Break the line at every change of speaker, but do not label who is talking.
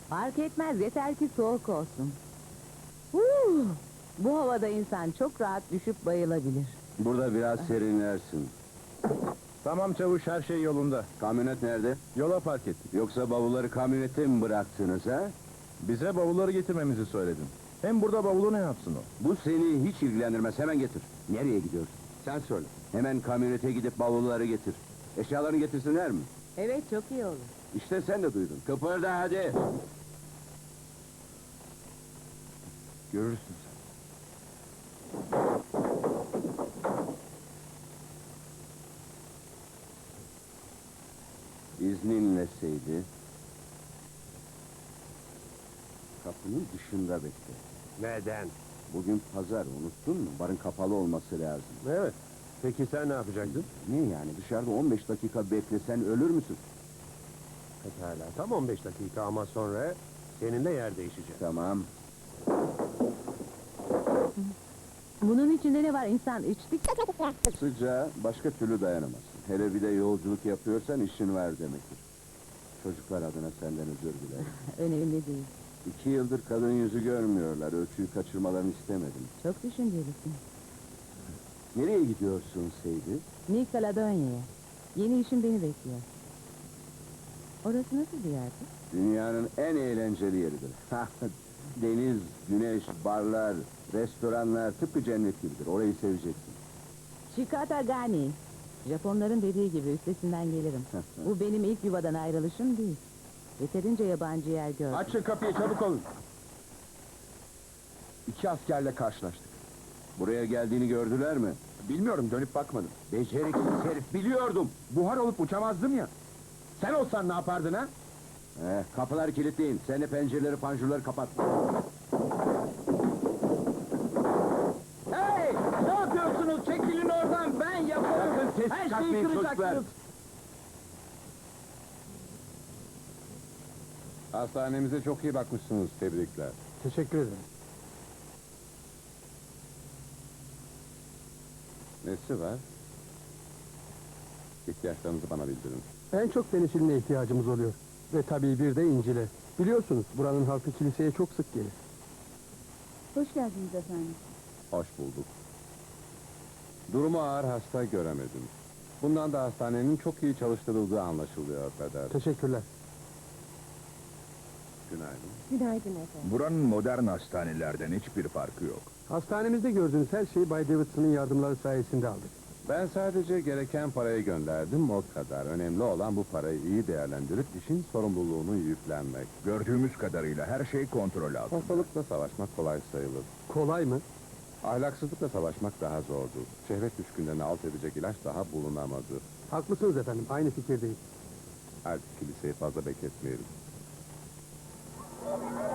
Fark etmez, yeter ki soğuk olsun. Bu havada insan çok rahat düşüp bayılabilir.
Burada biraz serinlersin.
Tamam çavuş, her şey yolunda.
Kamyonet nerede?
Yola park ettik.
Yoksa bavulları kamyonete mi bıraktınız ha?
Bize bavulları getirmemizi söyledin. Hem burada bavulu ne yapsın o?
Bu seni hiç ilgilendirmez, hemen getir. Nereye gidiyorsun? Sen söyle. Hemen kamyonete gidip bavulları getir. Eşyalarını getirsinler mi?
Evet, çok iyi olur.
İşte sen de duydun. Kıpırda hadi. Görürsün sen. İzninle Seydi. Kapının dışında bekle.
Neden?
Bugün pazar, unuttun mu? Barın kapalı olması lazım.
Evet. Peki sen ne yapacaktın?
Ne yani, dışarıda 15 dakika beklesen ölür müsün?
Pekala. Tam 15 dakika ama sonra seninle yer değişecek.
Tamam.
Bunun içinde ne var, insan içtik.
Sıcağa başka türlü dayanamazsın. Hele bir de yolculuk yapıyorsan işin var demektir. Çocuklar adına senden özür dilerim.
Önemli değil.
2 yıldır kadın yüzü görmüyorlar. Ölçüyü kaçırmalarını istemedim.
Çok düşüncelisin.
Nereye gidiyorsun Seydi?
New Caledonia'ya. Yeni işim beni bekliyor. Orası nasıl bir yerdi?
Dünyanın en eğlenceli yeridir. Deniz, güneş, barlar, restoranlar tıpkı cennet gibidir. Orayı seveceksin.
Shikatagani. Japonların dediği gibi üstesinden gelirim. Bu benim ilk yuvadan ayrılışım değil. Yeterince yabancı yer gördüm.
Açın kapıyı, çabuk olun. 2 askerle karşılaştık.
Buraya geldiğini gördüler mi?
Bilmiyorum, dönüp bakmadım.
Beceriksiz herif, biliyordum.
Buhar olup uçamazdım ya. Sen olsan ne yapardın ha?
Kapılar kilitleyin. Sen de pencereleri, panjurları kapat.
Hey! Ne yapıyorsunuz? Çekilin oradan, ben yaparım.
Sakın ses
Her şeyi
çıkartmayın çocuklar.
kıracaksınız.
Hastanemize çok iyi bakmışsınız. Tebrikler.
Teşekkür ederim.
Nesi var? İhtiyaçlarınızı bana bildirin.
En çok penisiline ihtiyacımız oluyor. Ve tabii bir de incile. Biliyorsunuz buranın halkı kiliseye çok sık gelir.
Hoş geldiniz efendim.
Hoş bulduk. Durumu ağır, hasta göremedim. Bundan da hastanenin çok iyi çalıştırıldığı anlaşılıyor Peder.
Teşekkürler.
Günaydın.
Günaydın efendim.
Buranın modern hastanelerden hiçbir farkı yok.
Hastanemizde gördüğünüz her şeyi Bay Davidson'ın yardımları sayesinde aldık.
Ben sadece gereken parayı gönderdim, o kadar. Önemli olan bu parayı iyi değerlendirip işin sorumluluğunu yüklenmek.
Gördüğümüz kadarıyla her şey kontrol altında.
Hastalıkla savaşmak kolay sayılır.
Kolay mı?
Ahlaksızlıkla savaşmak daha zordur. Şehvet düşkünlerini alt edecek ilaç daha bulunamadı.
Haklısınız efendim, aynı fikirdeyim.
Artık kiliseyi fazla bekletmeyelim.